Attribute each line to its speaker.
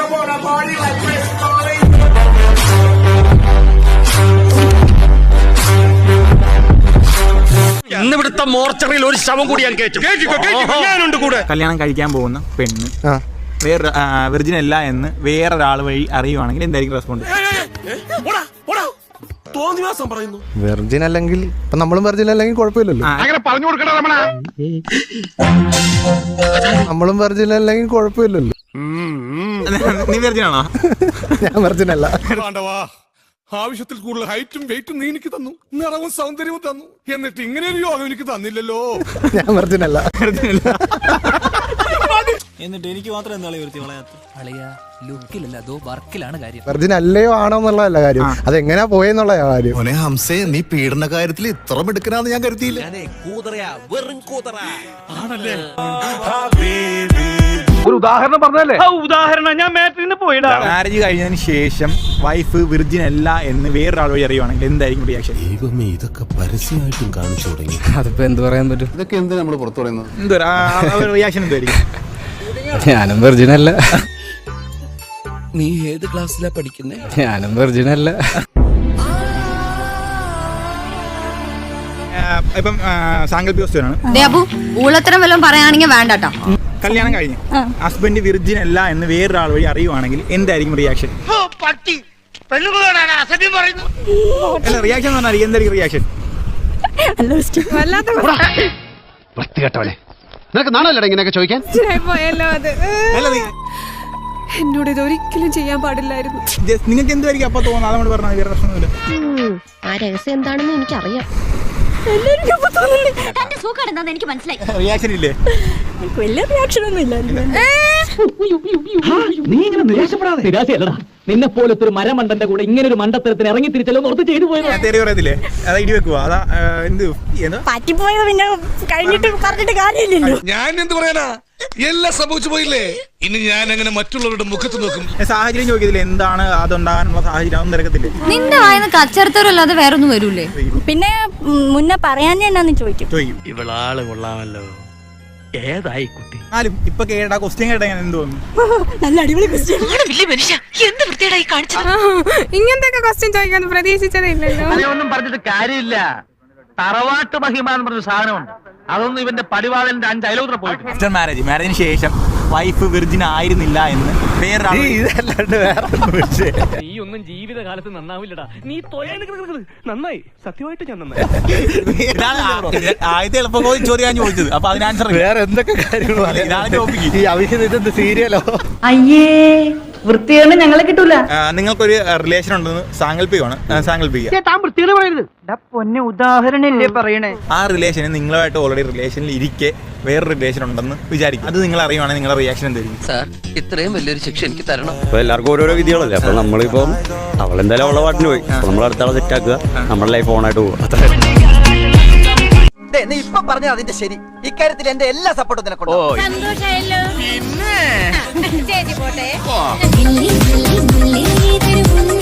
Speaker 1: ഇന്നിവിടുത്തെ മോർച്ചറിയിൽ ഒരു ശവം കൂടി ഞാൻ കേട്ടിട്ടുണ്ട് കൂടെ.
Speaker 2: കല്യാണം കഴിക്കാൻ പോകുന്ന പെണ്ണ് വേറെ വെർജിൻ അല്ല എന്ന് വേറൊരാൾ വഴി അറിയുവാണെങ്കിൽ എന്തായിരിക്കും റെസ്പോണ്ട്?
Speaker 3: വെർജിൻ അല്ലെങ്കിൽ ഇപ്പൊ നമ്മളും വെർജിൻ അല്ലെങ്കിൽ കുഴപ്പമില്ലല്ലോ. നമ്മളും വെർജിൻ അല്ലെങ്കിൽ കുഴപ്പമില്ലല്ലോ.
Speaker 2: നീ വെർജിൻ ആണോ?
Speaker 3: ഞാൻ വെർജിൻ അല്ല.
Speaker 4: ആവശ്യത്തിൽ കൂടുതൽ ഹൈറ്റും വെയിറ്റും നീ എനിക്ക് തന്നു, നിറവും സൗന്ദര്യവും തന്നു, എന്നിട്ട് ഇങ്ങനെ ഒരു യോഗം എനിക്ക് തന്നില്ലല്ലോ.
Speaker 3: ഞാൻ വെർജിൻ അല്ല.
Speaker 5: എന്നിട്ട് എനിക്ക് മാത്രം എന്താ ലുക്കിലല്ല, അതോ വർക്കിലാണ് കാര്യം.
Speaker 3: വെർജിൻ അല്ലയോ ആണോ എന്നുള്ളതല്ല കാര്യം, അതെങ്ങനെയാ പോയെന്നുള്ള കാര്യം.
Speaker 6: ഹംസേ, നീ പീഡന കാര്യത്തിൽ ഇത്ര മിടുക്കനാന്ന് ഞാൻ കരുതിയില്ല.
Speaker 1: ഒരു ഉദാഹരണം പറഞ്ഞല്ലേ? ഉദാഹരണം ഞാൻ മാട്രിന് പോയിടാ.
Speaker 2: മാരേജ് കഴിഞ്ഞതിന് ശേഷം വൈഫ് വിർജിൻ അല്ല എന്ന് വേറൊരാൾ വഴി അറിയുവാണെങ്കിൽ എന്തായിരിക്കും റിയാക്ഷൻ?
Speaker 6: ദൈവമേ, ഇതൊക്കെ പരസ്യമായിട്ടും കാണിച്ചു തുടങ്ങി.
Speaker 7: അതിപ്പോ എന്ത് പറയാൻ പറ്റും?
Speaker 3: ഇതൊക്കെ എന്ത് നമ്മൾ പുറത്തു പറയുന്നത്?
Speaker 2: റിയാക്ഷൻ എന്തായിരിക്കും?
Speaker 7: ഞാനും വെർജിനല്ല.
Speaker 5: നീ ഏത് ക്ലാസ്സിലാ പഠിക്കുന്നേ?
Speaker 7: ഞാനും വെർജിനല്ല.
Speaker 2: ഇപ്പം സാങ്കല്പിക വസ്തുവാണ്.
Speaker 8: ഊളത്തരം വല്ലതും പറയുകയാണെങ്കിൽ വേണ്ടട്ടോ.
Speaker 2: കല്യാണം കഴിഞ്ഞ് ഹസ്ബൻഡ് വിർജിൻ അല്ല എന്ന് വേറൊരാൾ വഴി അറിയുവാണെങ്കിൽ എന്തായിരിക്കും റിയാക്ഷൻ? അല്ല, റിയാക്ഷൻ എന്ന് പറഞ്ഞാൽ എന്തായിരിക്കും റിയാക്ഷൻ?
Speaker 1: നിനക്ക് നാണല്ലേ ഇങ്ങനെയൊക്കെ ചോദിക്കാൻ?
Speaker 9: എന്നോട് ഇതൊരിക്കലും ചെയ്യാൻ പാടില്ലായിരുന്നു.
Speaker 2: നിങ്ങൾക്ക് എന്തായിരിക്കും അപ്പൊ തോന്നുന്നത്? അതുകൊണ്ട് പറഞ്ഞാൽ വേറെ പ്രശ്നമൊന്നുമില്ല.
Speaker 8: ആ രഹസ്യം എന്താണെന്ന് എനിക്കറിയാം. എനിക്ക് മനസ്സിലായി.
Speaker 2: റിയാക്ഷൻ ഇല്ലേ?
Speaker 9: വലിയ റിയാക്ഷൻ ഒന്നും ഇല്ല.
Speaker 1: നീ ഇങ്ങനെ നിരാശപ്പെടാതെ. നിരാശയല്ലടാ, നിന്നെ പോലത്തെ ഒരു മരമണ്ടന്റെ കൂടെ ഇങ്ങനെ ഒരു മണ്ടത്തരത്തിന് ഇറങ്ങി തിരിച്ചല്ലോ ഓർത്ത് ചെയ്തു പോയത്.
Speaker 2: തെറി പറയത്തില്ലേ? അതാ ഇടി വെക്കുവാ. അതാ എന്ത്
Speaker 9: പറ്റിപ്പോയത് പിന്നെ കഴിഞ്ഞിട്ട് പറഞ്ഞിട്ട് കാര്യമില്ലല്ലോ.
Speaker 4: ഞാൻ എന്ത് പറയാനാ, എല്ലാം സംഭവിച്ചു പോയില്ലേ. ഇനി ഞാൻ അങ്ങനെ മറ്റുള്ളവരുടെ മുഖത്ത് നോക്കും.
Speaker 2: സാഹചര്യം ചോദിക്കത്തില്ല എന്താണ് അതുണ്ടാകാനുള്ള സാഹചര്യം? അതൊന്നും തിരക്കത്തില്ലേ?
Speaker 8: നിന്റെ വായന കച്ചറത്തരല്ലാതെ വേറൊന്നും വരൂലേ?
Speaker 9: പിന്നെ മുന്നേ പറയാൻ എന്നാന്ന് ചോദിക്കും.
Speaker 1: ഇവളാള് കൊള്ളാമല്ലോ. ഏതായി കുട്ടി?
Speaker 2: എന്നാലും ഇപ്പൊ കേട്ടാ ക്വസ്റ്റ്യൻ കേട്ടാ ഞാൻ എന്ത് തോന്നുന്നു?
Speaker 9: നല്ല അടിപൊളി ക്വസ്റ്റ്യൻ.
Speaker 8: ഇങ്ങനത്തെ ക്വസ്റ്റ്യൻ ചോദിക്കാൻ പ്രതീക്ഷിച്ചതേ ഇല്ലല്ലോ.
Speaker 1: ഒന്നും പറഞ്ഞിട്ട് കാര്യമില്ല. തറവാട്ട് മഹിമ എന്ന് പറഞ്ഞ സാധനമുണ്ട്. അതൊന്നും ഇവന്റെ പടിവാളന്റെ 5 അയലോത്ര പോയിട്ട്.
Speaker 2: ആഫ്റ്റർ മാരേജിന് ശേഷം വൈഫ് വിർജിൻ ആയിരുന്നില്ല എന്ന് വേറൊരാൾ. ഇതല്ലാണ്ട് വേറെ
Speaker 1: നീ ഒന്നും ജീവിതകാലത്ത് നന്നാവില്ലടാ. നീ നന്നായി, സത്യമായിട്ട് ഞാൻ നന്നായി.
Speaker 2: ആദ്യത്തെ എളുപ്പം ചോദ്യം ഞാൻ ചോദിച്ചത്. അപ്പൊ അതിന് ആൻസർ
Speaker 3: വേറെ എന്തൊക്കെ കാര്യങ്ങൾ
Speaker 2: ഇതാണ് ടോപ്പിക്ക്.
Speaker 3: ഈ അവിഹിത സീരിയലോ?
Speaker 9: അയ്യേ, വൃത്തിയാണ് ഞങ്ങളെ കിട്ടൂല.
Speaker 2: നിങ്ങൾക്കൊരു റിലേഷൻ ഉണ്ടെന്ന് സാങ്കല്പികമാണ്.
Speaker 9: പൊന്നെ ഉദാഹരണല്ലേ പറയണേ.
Speaker 2: ആ റിലേഷന് നിങ്ങളുമായിട്ട് ഓൾറെഡി റിലേഷനിൽ ഇരിക്കെ വേറൊരു റിലേഷൻ ഉണ്ടെന്ന് വിചാരിക്കും. അത് നിങ്ങൾ അറിയുവാണെങ്കിൽ നിങ്ങളുടെ റിയാക്ഷൻ എന്തായിരിക്കും?
Speaker 5: സാർ, ഇത്രയും വലിയൊരു ശിക്ഷ എനിക്ക് തരണം.
Speaker 7: അപ്പൊ എല്ലാവർക്കും ഓരോരോ വിധികളല്ലേ. അപ്പൊ നമ്മളിപ്പം അവളെന്തായാലും അവളെ പാട്ടിന് പോയി, നമ്മൾ അടുത്താളെ സെറ്റാക്കുക, നമ്മുടെ ലൈഫ് ഓണായിട്ട് പോകും.
Speaker 5: നീ ഇപ്പൊ പറഞ്ഞ അതിന്റെ ശരി. ഇക്കാര്യത്തിൽ എന്റെ എല്ലാ സപ്പോർട്ടും നിനക്കുണ്ട്.
Speaker 8: സന്തോഷായല്ലോ. ചേച്ചി പോട്ടെ.